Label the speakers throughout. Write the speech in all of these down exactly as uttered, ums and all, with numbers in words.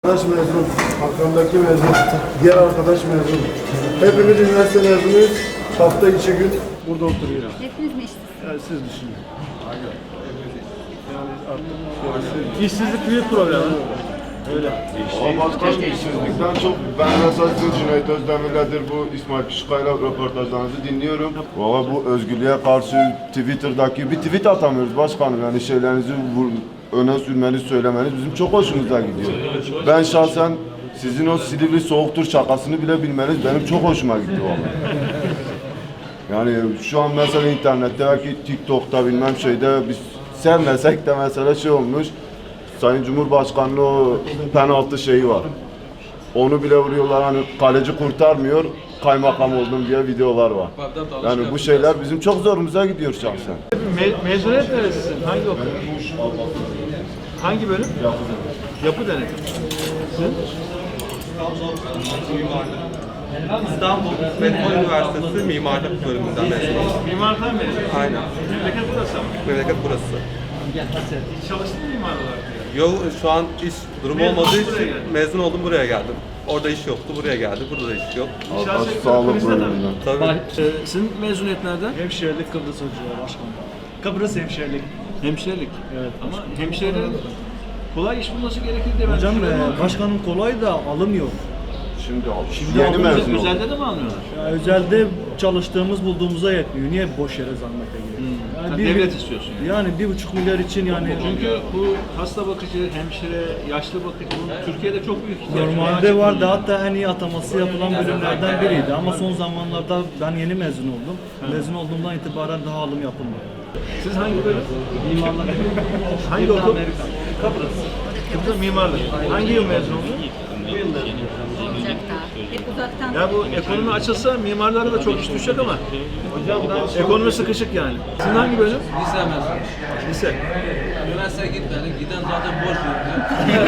Speaker 1: Arkadaş mezun, arkamdaki mezun, diğer arkadaş mezun. Hepimiz üniversite mezunuyuz. Hafta içi gün burada oturuyoruz.
Speaker 2: Hepiniz mi işsiz?
Speaker 1: Yani siz düşünün. Yani artık
Speaker 3: İşsizlik büyük problem. Öyle.
Speaker 4: Ama başkanım işsizlikten çok ben mesela sizin Cüneyt Özdemir'ledir bu İsmail Küçükkaya'yla röportajlarınızı dinliyorum. Valla bu özgürlüğe karşı Twitter'daki bir tweet atamıyoruz başkanım, yani şeylerinizi vur, öne sürmeniz, söylemeniz bizim çok hoşumuza gidiyor. Ben şahsen sizin o Silivri soğuktur şakasını bile bilmeniz benim çok hoşuma gitti valla. Yani şu an mesela internette belki TikTok'ta bilmem şeyde biz sevmesek de mesela şey olmuş. Sayın Cumhurbaşkanı'nın o penaltı şeyi var. Onu bile vuruyorlar, hani kaleci kurtarmıyor, kaymakam oldum diye videolar var. Yani bu şeyler bizim çok zorumuza gidiyor şahsen.
Speaker 3: Me mezuniyet neresisin? Hangi okul? Hangi bölüm? Yapı denetim. Sizin?
Speaker 5: İstanbul Metropol Üniversitesi Mimarlık Bölümünden mezun oldum.
Speaker 3: Mimarlıktan mezun.
Speaker 5: Aynen.
Speaker 3: Memleket burası ama.
Speaker 5: Memleket burası.
Speaker 3: Hiç çalıştın mı mimar olarak?
Speaker 5: Yol şu an iş durumu
Speaker 3: Mezun
Speaker 5: olmadığı
Speaker 3: buraya
Speaker 5: için
Speaker 3: geldin.
Speaker 5: mezun oldum, buraya geldim. Orada iş yoktu, buraya geldim. Burada da iş yok.
Speaker 3: İnşaat sektörü
Speaker 4: Sağlık
Speaker 3: krizde tabii.
Speaker 4: bölümünden.
Speaker 5: Tabii.
Speaker 3: Ee, sizin mezuniyet nereden?
Speaker 6: Hemşirelik Kıbrıs Hocaları Başkanım. Kıbrıs hemşirelik.
Speaker 3: Hemşirelik.
Speaker 6: Evet.
Speaker 3: Ama hemşirelerin kolay iş bulması gerekir diye ben
Speaker 6: Hocam
Speaker 3: düşünüyorum
Speaker 6: e,
Speaker 3: ama
Speaker 6: başkanım kolay da alım yok.
Speaker 4: Şimdi aldım.
Speaker 6: Şimdi
Speaker 4: Yeni
Speaker 6: aldım.
Speaker 4: mezun oldum.
Speaker 3: Özelde de mi almıyorlar?
Speaker 6: Ya, özelde çalıştığımız bulduğumuza yetmiyor. Niye boş yere zahmete giriyor?
Speaker 3: Sen devlet istiyorsun yani.
Speaker 6: Yani bir buçuk milyar için yani.
Speaker 3: Çünkü bu hasta bakıcı, hemşire, yaşlı bakıcı bunun Türkiye'de çok büyük ihtiyaç var.
Speaker 6: Normalde vardı, hatta en iyi ataması yapılan bölümlerden biriydi ama son zamanlarda ben yeni mezun oldum. Mezun olduğumdan itibaren daha alım yapılmıyor.
Speaker 3: Siz hangi bölüm?
Speaker 6: Mimarlık.
Speaker 3: Hangi okul? Kıbrıs. Kıbrıs mimarlık. Hangi yıl mezun oldun?
Speaker 2: Olacak da. Hep uzaktan.
Speaker 3: Ya bu ekonomi açılsa mimarlara da çok iş düşecek ama ekonomi sıkışık yani. Sizin hangi bölüm?
Speaker 7: Lise mezunu.
Speaker 3: Lise.
Speaker 7: Üniversiteye gitmedik. Giden zaten boş yurdu.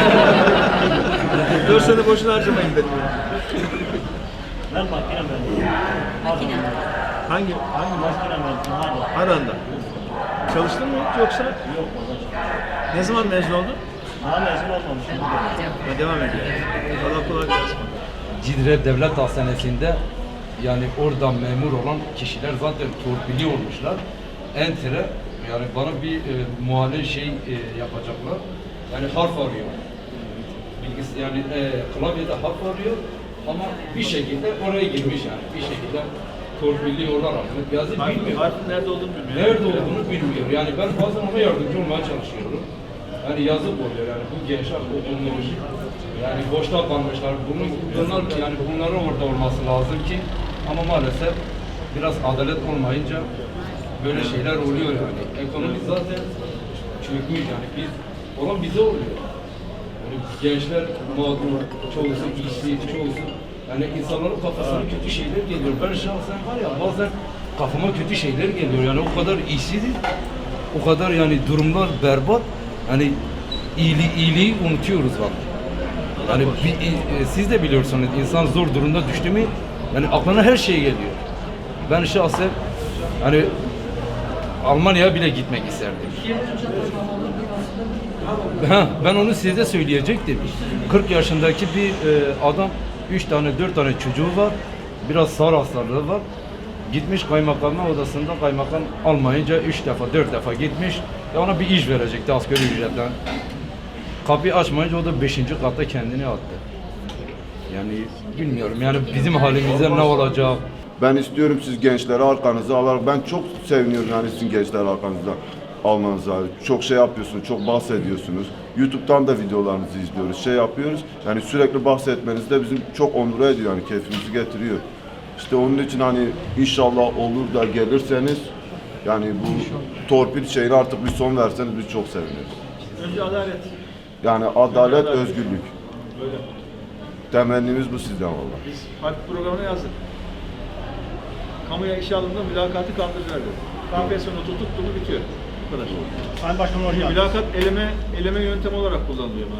Speaker 3: dört sene boşuna harcamayın dedim.
Speaker 6: Ben makine mezunum.
Speaker 2: Makine.
Speaker 3: Hangi? Hangi?
Speaker 6: Makine mezunum.
Speaker 3: Aran'da. Çalıştın mı hiç yoksa? Yok. Ne zaman mezun oldun?
Speaker 6: Daha mezun olmamışım.
Speaker 3: Ha, devam ediyor. Allah kolay gelsin.
Speaker 7: Cidre Devlet Hastanesi'nde yani orada memur olan kişiler zaten torpili olmuşlar. Enter'e yani bana bir e, muayene şey e, yapacaklar. Yani harf arıyor. Bilgis yani e, klavyede harf arıyor ama bir şekilde oraya girmiş yani. Bir şekilde torpilli olarak yazı
Speaker 3: Harf,
Speaker 7: bilmiyor.
Speaker 3: harfin nerede olduğunu bilmiyorum.
Speaker 7: Nerede olduğunu bilmiyor. Yani ben bazen ona yardımcı olmaya çalışıyorum. Yani yazık oluyor yani bu gençler okumuş. Yani boşta kalmışlar. Bunun, bunlar yani bunların orada olması lazım ki ama maalesef biraz adalet olmayınca böyle şeyler oluyor yani. Ekonomi zaten çökmüş yani biz olan bize oluyor. Yani gençler mağdur, çoğusu işsiz, çoğusu yani insanların kafasına kötü şeyler geliyor. Ben şahsen var ya bazen kafama kötü şeyler geliyor. Yani o kadar işsiziz, o kadar yani durumlar berbat. Yani iyiliği, iyiliği unutuyoruz vallahi. Yani bir, e, siz de biliyorsunuz insan zor durumda düştü mü yani aklına her şey geliyor. Ben şahsen hani Almanya'ya bile gitmek isterdim. Ha, ben onu size söyleyecektim. kırk yaşındaki bir e, adam, üç tane dört tane çocuğu var. Biraz sağır hastalığı var. Gitmiş kaymakamın odasında, kaymakam almayınca üç defa dört defa gitmiş. Ya ona bir iş verecekti asgari ücretten. Kapıyı açmayınca o da beşinci katta kendini attı. Yani bilmiyorum yani bizim halimizde ne olacak?
Speaker 4: Ben istiyorum siz gençleri arkanıza alarak, ben çok seviniyorum yani sizin gençleri arkanızda almanıza. Çok şey yapıyorsunuz, çok bahsediyorsunuz. YouTube'dan da videolarınızı izliyoruz, şey yapıyoruz. Yani sürekli bahsetmeniz de bizim çok onur ediyor, yani keyfimizi getiriyor. İşte onun için hani inşallah olur da gelirseniz, yani bu torpil şeyine artık bir son verseniz biz çok seviniriz.
Speaker 3: Önce adalet.
Speaker 4: Yani adalet, özgürlük. Temennimiz bu sizden valla.
Speaker 3: Biz harp programına yazdık. Kamuya işe alımda mülakatı kaldıracağız dedi. K P S S'nin tuttuk bunu bitiyor. Bu kadar.
Speaker 6: Sayın Başkanım hoş geldiniz.
Speaker 3: Mülakat eleme eleme yöntemi olarak kullanılıyor.